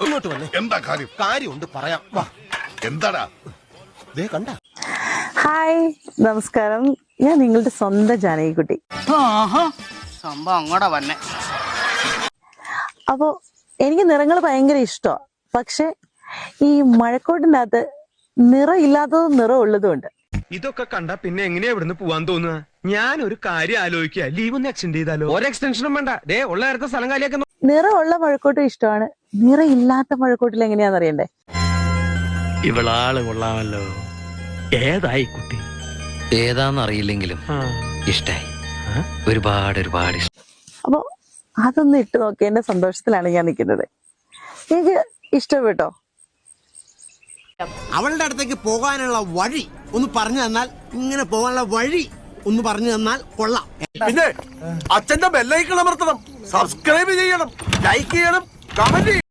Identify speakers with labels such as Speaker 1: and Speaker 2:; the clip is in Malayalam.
Speaker 1: ഇങ്ങോട്ട് വന്നേ.
Speaker 2: എന്താ കാര്യം?
Speaker 1: കാര്യമുണ്ട് പറയാം. വാ.
Speaker 2: എന്താടാ?
Speaker 1: ദേ കണ്ട.
Speaker 3: ഹായ്, നമസ്കാരം. ഞാൻ നിങ്ങളുടെ സ്വന്തം ജാനകിക്കുട്ടി.
Speaker 4: സംഭവം അങ്ങോട്ടാ വന്നെ.
Speaker 3: അപ്പോ എനിക്ക് നിറങ്ങൾ ഭയങ്കര ഇഷ്ടമാണ്. പക്ഷെ ഈ മഴക്കോട്ടിനകത്ത് നിറം ഇല്ലാത്തതും നിറം ഉള്ളതും ഉണ്ട്.
Speaker 5: ഇതൊക്കെ കണ്ട പിന്നെ എങ്ങനെയാ ഇവിടുന്ന് പോവാൻ തോന്നുക? ഞാൻ ഒരു കാര്യം ആലോചിക്കുക, ലീവ് ഒന്ന് എക്സ്റ്റെൻഡ് ചെയ്താലോ? ഒരു എക്സ്റ്റൻഷനും വേണ്ട, ദേ ഉള്ള നേരത്തെ സ്ഥലം കാലിയാക്കുന്നു.
Speaker 3: നിറമുള്ള മഴക്കോട്ടും ഇഷ്ടമാണ്, നിറം ഇല്ലാത്ത മഴക്കോട്ടിൽ എങ്ങനെയാന്ന് അറിയണ്ടേ?
Speaker 6: ഇവളാള് കൊള്ളാമല്ലോ. ഏതായി കുട്ടി?
Speaker 7: ഏതാന്നറിയില്ലെങ്കിലും ഇഷ്ടായി. ഒരുപാട് ഒരുപാട് ഇഷ്ടം.
Speaker 3: അപ്പൊ അതൊന്ന് ഇട്ട് നോക്കിയതിന്റെ സന്തോഷത്തിലാണ് ഞാൻ നിൽക്കുന്നത്. എനിക്ക് ഇഷ്ടപ്പെട്ടോ?
Speaker 8: അവളുടെ അടുത്തേക്ക് പോകാനുള്ള വഴി ഒന്ന് പറഞ്ഞു തന്നാൽ, ഇങ്ങനെ പോകാനുള്ള വഴി ഒന്ന് പറഞ്ഞു തന്നാൽ കൊള്ളാം.
Speaker 9: പിന്നെ അച്ഛന്റെ ബെല്ലൈക്കൺ അമർത്തണം, സബ്സ്ക്രൈബ് ചെയ്യണം, ലൈക്ക് ചെയ്യണം, കമന്റ് ചെയ്യണം.